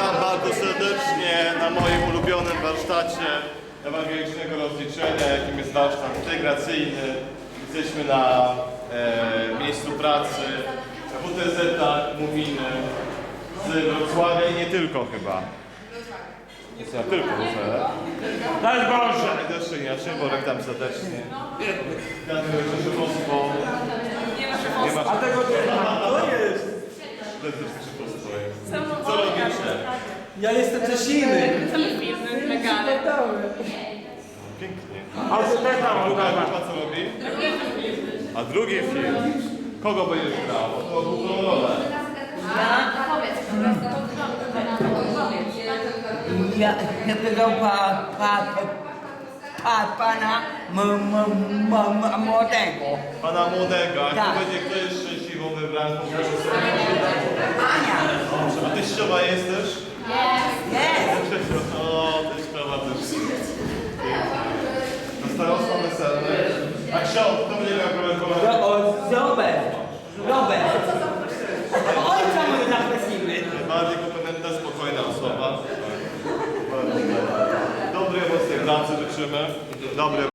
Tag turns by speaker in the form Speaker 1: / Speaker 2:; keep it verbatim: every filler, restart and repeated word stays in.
Speaker 1: Witam bardzo serdecznie na moim ulubionym warsztacie ewangelicznego rozliczenia, jakim jest warsztat integracyjny. Jesteśmy na e, miejscu pracy w W T Z Muminy z Wrocławia i nie tylko chyba. Nie tylko, że?
Speaker 2: Daj Boże!
Speaker 1: Jeszcze inaczej, Borek tam serdecznie. Dziękuję za szefostwo. Nie ma
Speaker 2: A tego nie ma. To jest.
Speaker 1: Co robicie?
Speaker 2: Ja jestem też inny.
Speaker 3: Cały film, megale.
Speaker 1: Pięknie.
Speaker 2: A to też tam
Speaker 1: A druga
Speaker 2: ogląda.
Speaker 1: grupa co robi? A drugi film. Kogo będziesz grał? To główną rolę.
Speaker 4: Ja tego pa, pa, pa, pana m, m, m, m, młodego.
Speaker 1: Pana młodego. A
Speaker 4: Tak.
Speaker 1: kto będzie, kto jest szczęśliwą wybranką?
Speaker 4: Ania.
Speaker 1: A teściowa jesteś?
Speaker 4: Jest.
Speaker 1: O, teściowa też. Na starostwo weselne. A ksiądz, kto będzie miał komentować?
Speaker 4: Robert. Robert. Ojca mój zaprosimy.
Speaker 1: Najbardziej kompetentna, spokojna osoba. Dobrej, mocnej pracy życzymy. Dobre